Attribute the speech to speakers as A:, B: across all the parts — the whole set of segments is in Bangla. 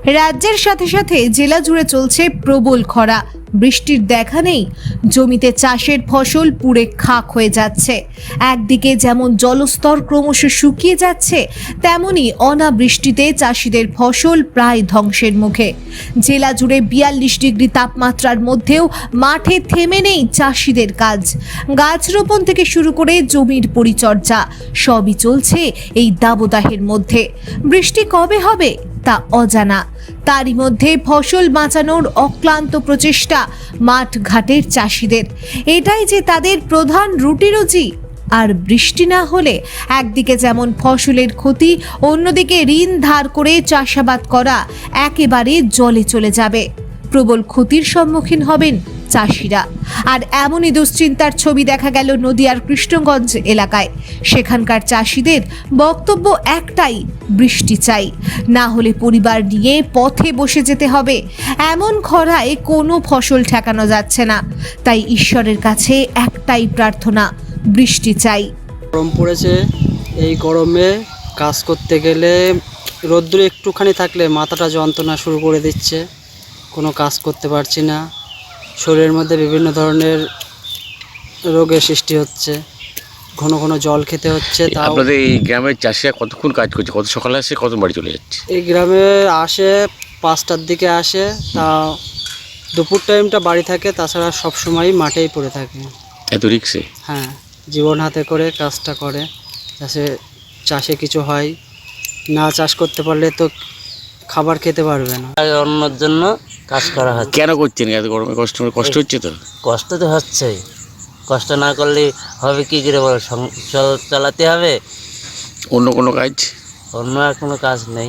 A: রাজ্যের সাথে সাথে জেলা জুড়ে চলছে প্রবল খরা। বৃষ্টির দেখা নেই, জমিতে চাষের ফসল পুড়ে খাক হয়ে যাচ্ছে। একদিকে যেমন জলস্তর ক্রমশ শুকিয়ে যাচ্ছে, তেমনি অনাবৃষ্টিতে চাষিদের ফসল প্রায় ধ্বংসের মুখে। জেলা জুড়ে 42 ডিগ্রি তাপমাত্রার মধ্যেও মাঠে থেমে নেই চাষিদের কাজ। গাছ রোপণ থেকে শুরু করে জমির পরিচর্যা সবই চলছে এই দাবদাহের মধ্যে। বৃষ্টি কবে হবে তা অজানা। তারই মধ্যে ফসল বাঁচানোর অক্লান্ত প্রচেষ্টা মাঠ ঘাটের চাষিদের। এটাই যে তাদের প্রধান রুটি রুজি। আর বৃষ্টি না হলে একদিকে যেমন ফসলের ক্ষতি, অন্যদিকে ঋণ ধার করে চাষাবাদ করা একেবারে জলে চলে যাবে। প্রবল ক্ষতির সম্মুখীন হবেন চাষিরা। আর এমনই দুশ্চিন্তার ছবি দেখা গেল নদিয়ার কৃষ্ণগঞ্জ এলাকায়। সেখানকার চাষিদের বক্তব্য একটাই, বৃষ্টি চাই, না হলে পরিবার নিয়ে পথে বসে যেতে হবে। এমন খরায় কোনো ফসল ঠেকানো যাচ্ছে না। তাই ঈশ্বরের কাছে একটাই প্রার্থনা, বৃষ্টি চাই।
B: গরম পড়েছে, এই গরমে কাজ করতে গেলে রোদ্দুর একটুখানি থাকলে মাথাটা যন্ত্রণা শুরু করে দিচ্ছে, কোনো কাজ করতে পারছি না। শরীরের মধ্যে বিভিন্ন ধরনের রোগের সৃষ্টি হচ্ছে, ঘন ঘন জল খেতে হচ্ছে।
C: আপনাদের এই গ্রামের চাষিরা কতক্ষণ কাজ করছে? কত সকালে আসে, কত বাড়ি চলে যাচ্ছে?
B: এই গ্রামে আসে 5টার দিকে আসে, তা দুপুর টাইমটা বাড়ি থাকে, তাছাড়া সবসময়ই মাঠেই পড়ে থাকে।
C: এত রিক্সে?
B: হ্যাঁ, জীবন হাতে করে কাজটা করে, চাষে কিছু হয় না। চাষ করতে পারলে তো খাবার খেতে পারবে না।
D: অন্যের জন্য কাজ করা হচ্ছে।
C: কেন করছেন এত গরমে? কষ্ট হচ্ছে তো?
D: কষ্ট তো হচ্ছেই, কষ্ট না করলে হবে কি করে বলো? সংসার চালাতে হবে।
C: অন্য কোনো কাজ?
D: অন্য আর কোনো কাজ নেই,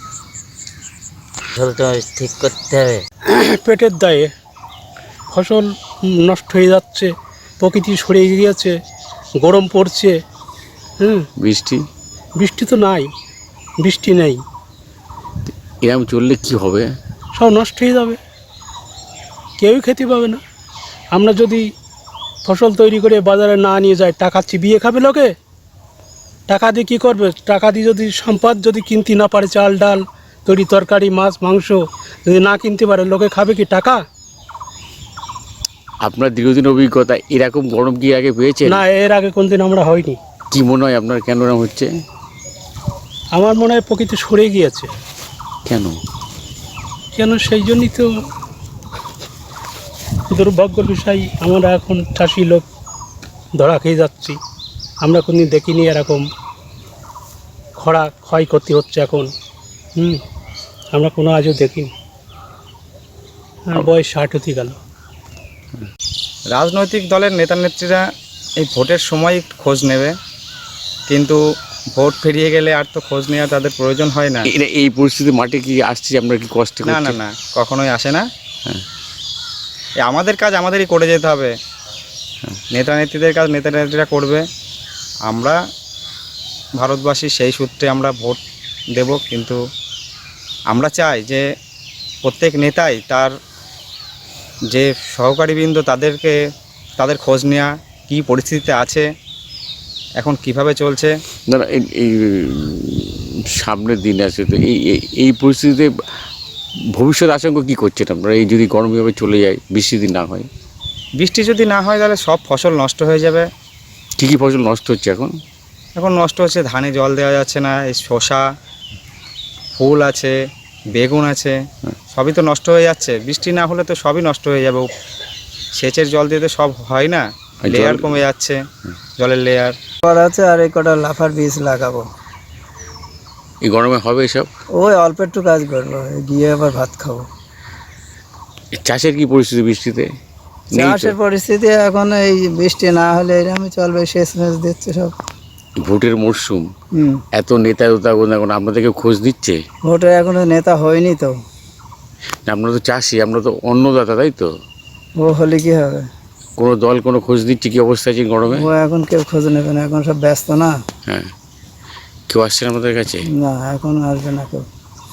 D: ফসলটা ঠিক করতে হবে।
E: পেটের দায়ে ফসল নষ্ট হয়ে যাচ্ছে, প্রকৃতি সরে গিয়েছে, গরম পড়ছে। বৃষ্টি তো নাই, বৃষ্টি নেই।
C: এরকম চললে কি হবে?
E: সব নষ্ট হয়ে যাবে, কেউই খেতে পাবে না। আমরা যদি ফসল তৈরি করে বাজারে না নিয়ে যাই, টাকা চিবিয়ে খাবে লোকে। টাকা দিয়ে কী করবে? টাকা দিয়ে যদি সম্পদ যদি কিনতে না পারে, চাল ডাল তৈরি তরকারি মাছ মাংস যদি না কিনতে পারে, লোকে খাবে কি টাকা?
C: আপনার দীর্ঘদিন অভিজ্ঞতা, এরকম গরম কি আগে পেয়েছে?
E: না, এর আগে কোনদিন আমরা হয়নি।
C: কি মনে হয় আপনার, কেন এরকম হচ্ছে?
E: আমার মনে হয় প্রকৃতি সরে গিয়েছে।
C: কেন?
E: সেই জন্যই তো দুর্ভাগ্যের বিষয়, আমরা এখন চাষি লোক ধরা খেয়ে যাচ্ছি। আমরা কোনদিন দেখিনি এরকম খরা ক্ষয়ক্ষতি হচ্ছে এখন। আমরা কোনো আজও দেখিনি। আর বয়স 60 হতে গেল।
F: রাজনৈতিক দলের নেতা নেত্রীরা এই ভোটের সময় খোঁজ নেবে, কিন্তু ভোট ফিরিয়ে গেলে আর তো খোঁজ নেওয়া তাদের প্রয়োজন হয় না।
C: এই পরিস্থিতি মাঠে কি আসছে? আমরা কি কষ্ট
F: না
C: করছি?
F: না না, কখনোই আসে না।
C: হ্যাঁ,
F: আমাদের কাজ আমাদেরই করে যেতে হবে। নেতা নেত্রীদের কাজ নেতা নেত্রীরা করবে। আমরা ভারতবাসী, সেই সূত্রে আমরা ভোট দেব। কিন্তু আমরা চাই যে প্রত্যেক নেতাই তার যে সহকারীবৃন্দ তাদের খোঁজ নেওয়া, কী পরিস্থিতিতে আছে, এখন কিভাবে চলছে।
C: না না, এই সামনের দিন আছে তো, এই পরিস্থিতিতে ভবিষ্যৎ আশঙ্কা কী করছেন আপনারা? এই যদি গরমভাবে চলে যায়, বৃষ্টি যদি না হয়?
F: বৃষ্টি যদি না হয় তাহলে সব ফসল নষ্ট হয়ে যাবে।
C: কী কী ফসল নষ্ট হচ্ছে এখন?
F: এখন নষ্ট হচ্ছে, ধানে জল দেওয়া যাচ্ছে না, এই শসা, ফুল আছে, বেগুন আছে, সবই তো নষ্ট হয়ে যাচ্ছে। বৃষ্টি না হলে তো সবই নষ্ট হয়ে যাবে। সেচের জল দিয়ে তো সব হয় না, লেয়ার কমে যাচ্ছে, জলের লেয়ার
B: আছে। আর এই কটা লাফার বীজ লাগাবো।
C: এই গরমে হবে এসব?
B: ওই অল্প একটু কাজ করবো, গিয়ে আবার ভাত খাবো।
C: চাষের কি পরিস্থিতি বৃষ্টিতে?
B: চাষের পরিস্থিতি এখন এই বৃষ্টি না হলে এরকমই চলবে, শেষ মেশ দিচ্ছে সব।
C: ভোটের মরশুম, এত নেতা এখন আপনাদেরকে খোঁজ দিচ্ছে?
B: ভোটে এখনো নেতা হয়নি তো।
C: আপনারা তো চাষি, আমরা তো অন্নদাতা, তাই তো?
B: ও হলে কি হবে?
C: কোনো দল কোনো খোঁজ দিচ্ছে কি অবস্থা আছে গরমে?
B: ও এখন কেউ খোঁজ নেবে না, এখন সব ব্যস্ত না।
C: হ্যাঁ, কেউ আসছে না আমাদের কাছে?
B: না, এখন আসবে না কেউ।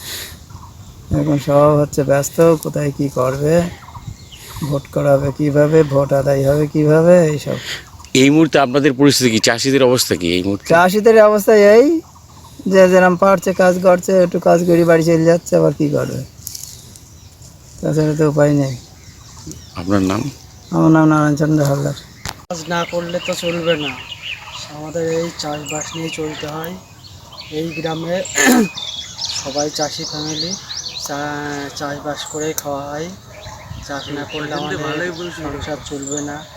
B: এখন সব হচ্ছে ব্যস্ত, কোথায় কি করবে, ভোট করাবে কিভাবে, ভোট আদায় হবে কিভাবে, এইসব।
C: এই মুহূর্তে আপনাদের পরিস্থিতি কি? চাষিদের অবস্থা কি এই মুহূর্তে?
B: চাষিদের অবস্থা এই
G: যে যেরকম পারছে কাজ করছে, একটু কাজ করে বাড়ি চলে যাচ্ছে, আবার কী করবে, তাছাড়া তো উপায় নেই।
C: আপনার নাম?
G: আমার নাম নারায়ণচন্দ্র হালদার।
B: কাজ না করলে তো চলবে না, আমাদের এই চাষবাস নিয়ে চলতে হয়। এই গ্রামে সবাই চাষি ফ্যামিলি, চাষবাস করেই খাওয়া হয়। চাষ না করলে আমাদের সংসার চলবে না।